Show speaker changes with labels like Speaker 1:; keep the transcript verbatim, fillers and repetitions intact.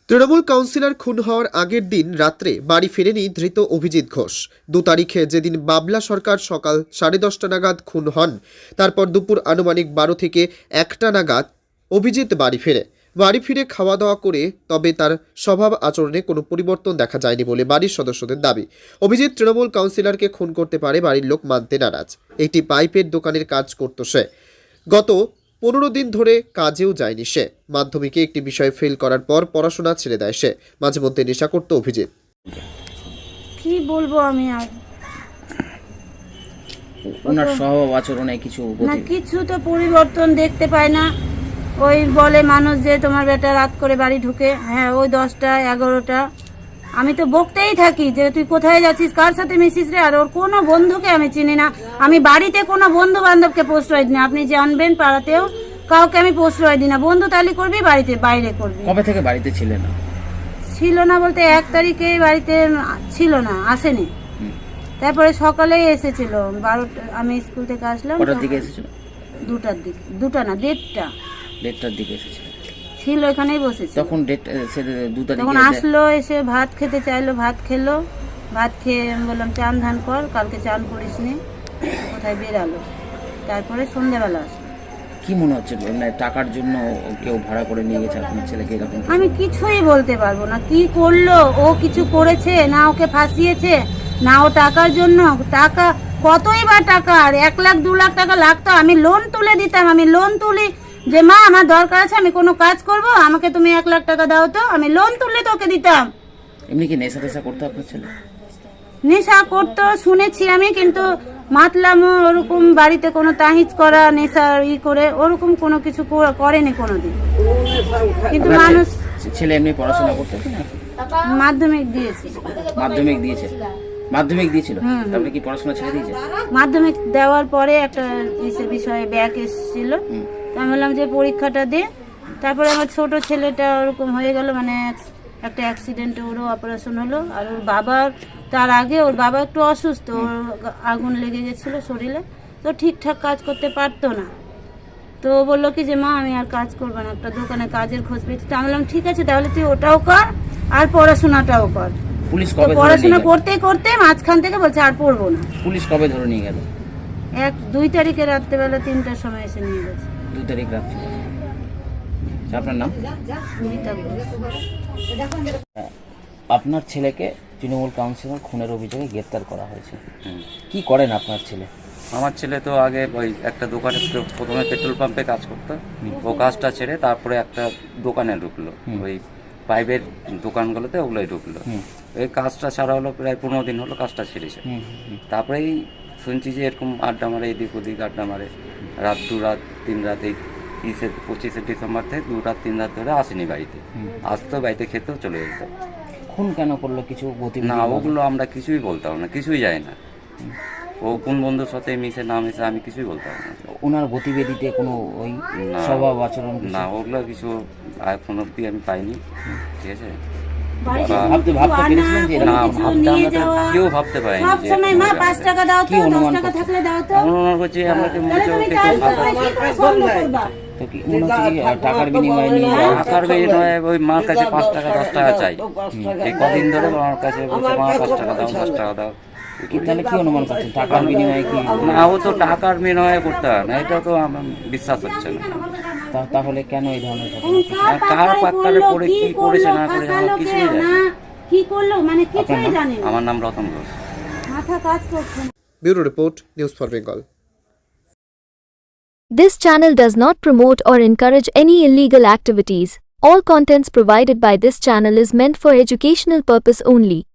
Speaker 1: Trinamool councillor খুন হওয়ার আগের দিন রাত্রে বাড়ি ফেরেনি ধৃত অভিজিৎ ঘোষ। দু তারিখে যেদিন বাবলা সরকার সকাল সাড়ে দশটা নাগাদ খুন হন, তারপর দুপুর আনুমানিক বারো থেকে একটা নাগাদ অভিজিৎ বাড়ি ফেরে। বাড়ি ফিরে খাওয়া দাওয়া করে তবে তার স্বভাব আচরণে কোনো পরিবর্তন দেখা যায়নি বলে বাড়ির সদস্যদের দাবি। অভিজিৎ তৃণমূল কাউন্সিলরকে খুন করতে পারে বাড়ির লোক মানতে নারাজ। একটি পাইপের দোকানের কাজ করত সে। গত পনেরো দিন ধরে কাজেও যায়নি সে। মাধ্যমিকে একটি বিষয় ফেল করার পর পড়াশোনা ছেড়ে দেয় সে। মাঝে মধ্যে নেশা করতো অভিজিৎ।
Speaker 2: কি বলবো আমি আর
Speaker 3: ওনার স্বভাব আচরণে কিছু
Speaker 2: না, কিছু তো পরিবর্তন দেখতে পায় না। ওই বলে মানুষ যে তোমার বেটা রাত করে বাড়ি ঢুকে, হ্যাঁ ওই দশটা এগারোটা আমি তো বকতেই থাকি যে তুই কোথায় যাচ্ছিস, কার সাথে মিশিস রে। আর ওর কোনো বন্ধুকে আমি চিনি না। আমি বাড়িতে কোনো বন্ধু বান্ধবকে প্রশ্রয় দিই না। আপনি জানবেন পাড়াতেও কাউকে আমি প্রশ্রয় দিই না। বন্ধু তালি করবি, বাড়িতে বাইরে করবি।
Speaker 3: কবে থেকে বাড়িতে ছিল না?
Speaker 2: ছিল না বলতে এক তারিখে বাড়িতে ছিল না, আসেনি। তারপরে সকালেই এসেছিল বারোটা, আমি স্কুল থেকে আসলাম।
Speaker 3: কটার দিকে এসেছিল?
Speaker 2: দুটার দিকে, দুটা না দেড়টা
Speaker 3: দেড়টার দিকে এসেছিল।
Speaker 2: ছিল এখানেই বসেছিল।
Speaker 3: তখন ডেট দু তারিখে
Speaker 2: তখন আসলো, এসে ভাত খেতে চাইলো, ভাত খেলো। ভাত খেয়ে আমি বললাম চান ধান কর, কালকে চান করিস নি, কোথায় বেরালো। তারপরে সন্ধ্যাবেলা আসলো।
Speaker 3: কি মনে হচ্ছে মানে টাকার জন্য কেউ ভাড়া করে নিয়ে গেছে আপনার ছেলেকে এরকম?
Speaker 2: আমি কিছুই বলতে পারবো না কি করলো। ও কিছু করেছে না, ওকে ফাঁসিয়েছে না, ও টাকার জন্য। টাকা কতই বা টাকা, আর এক লাখ দু লাখ টাকা লাগতো। আমি লোন তুলে দিতাম। আমি লোন তুলি যে মা আমার দরকার আছে, আমি কোনো কাজ করব, আমাকে তুমি এক লাখ টাকা দাও, তো আমি লোন তুলে তোকে দিতাম।
Speaker 3: এমনি কি নেশা টেশা করতো আপনার ছেলে?
Speaker 2: নেশা করতো শুনেছি আমি, কিন্তু মাতলামো ওরকম বাড়িতে কোনো তাহিজ করা নেশা ই করে ওরকম কোনো কিছু করেনি কোনোদিন। কিন্তু মানুষ
Speaker 3: ছেলে এমনি পড়াশোনা করতো না?
Speaker 2: মাধ্যমিক দিয়েছে।
Speaker 3: মাধ্যমিক দিয়েছে? মাধ্যমিক দিয়েছিল, তারপরে কি পড়াশোনা ছেড়ে দিয়েছে?
Speaker 2: মাধ্যমিক দেওয়ার পরে একটা বিষয়ে ব্যাক এসেছিল, আমি বললাম যে পরীক্ষাটা দে। তারপরে আমার ছোট ছেলেটা ওরকম হয়ে গেল, মানে একটা অ্যাক্সিডেন্টে ওরও অপারেশন হলো। আর ওর বাবার তার আগে ওর বাবা একটু অসুস্থ, ওর আগুন লেগে গেছিলো শরীরে, তো ঠিকঠাক কাজ করতে পারতো না। তো ও বললো কি যে মা আমি আর কাজ করবো না, একটা দোকানে কাজের খোঁজ পেয়েছি। তো আমি বললাম ঠিক আছে তাহলে তুই ওটাও কর আর পড়াশোনাটাও কর।
Speaker 3: পুলিশ কবে
Speaker 2: পড়াশোনা করতে করতে মাঝখান থেকে বলছে আর পড়বো না।
Speaker 3: পুলিশ কবে ধরে নিয়ে গেল?
Speaker 2: এক দুই তারিখে রাত্রেবেলা তিনটার সময় এসে নিয়ে গেছে।
Speaker 3: দুই তারিখ রাত্রে। আপনার নাম? আপনার ছেলেকে তৃণমূল কাউন্সিলর খুনের অভিযোগে গ্রেপ্তার করা হয়েছে। কি করেন আপনার ছেলে?
Speaker 4: আমার ছেলে তো আগে ওই একটা দোকানে প্রথমে পেট্রোল পাম্পে কাজ করতো। ও কাজটা ছেড়ে তারপরে একটা দোকানে ঢুকলো, ওই পাইপের দোকানগুলোতে ওগুলোই ঢুকলো। এই কাজটা ছাড়া হলো প্রায় পনেরো দিন হলো কাজটা ছেড়েছে। তারপরেই শুনছি যে এরকম আড্ডা মারে, এদিক ওদিক আড্ডা মারে। রাত দু রাত তিন রাত, এই তিরিশে পঁচিশে ডিসেম্বর থেকে দু রাত তিন রাত ধরে আসেনি বাড়িতে। আসতো, বাড়িতে খেতেও চলে যেত।
Speaker 3: খুন কেন করলো কিছু গতি
Speaker 4: না, ওগুলো আমরা কিছুই বলতাম না, কিছুই যায় না। ও কোন বন্ধুর সাথে মিশে না মিশে আমি কিছুই বলতাম না।
Speaker 3: ওনার গতিবিধিতে কোনো ওই স্বভাব আচরণ
Speaker 4: না, ওগুলো কিছু এখন অব্দি আমি পাইনি। ঠিক আছে,
Speaker 3: ভাবতে ভাবতে পেরেছিলেন যে
Speaker 4: না, ভাবতে আমরা কেউ ভাবতে পারিনি।
Speaker 3: কি অনুমান করছে?
Speaker 4: অনুমান করছি আমাকে মনে হচ্ছে
Speaker 3: তো কি মনে হচ্ছে কি টাকার বিনিময়ে নিয়ে যাওয়া?
Speaker 4: টাকার বিনিময়ে ওই মার কাছে পাঁচ টাকা দশ টাকা চাই। এই কদিন ধরে আমার কাছে বলছে মা পাঁচ টাকা দাও, দশ টাকা দাও।
Speaker 3: কি তাহলে কি অনুমান করছেন টাকার বিনিময়ে কি?
Speaker 4: না, ও তো টাকার বিনিময়ে করতে হয় না, এটা তো আমার বিশ্বাস হচ্ছে না।
Speaker 3: তাহলে কেন এই ধরনের
Speaker 4: কার পাক্কারে পড়ে কি করেছে না করেছে আমার কিছুই জানি না।
Speaker 2: কি করলো মানে কিছুই জানি না।
Speaker 4: আমার নাম রতন ঘোষ।
Speaker 2: মাথা কাজ করছে না।
Speaker 1: Bureau report, news for Bengal.
Speaker 5: This channel does not promote or encourage any illegal activities. All contents provided by this channel is meant for educational purpose only.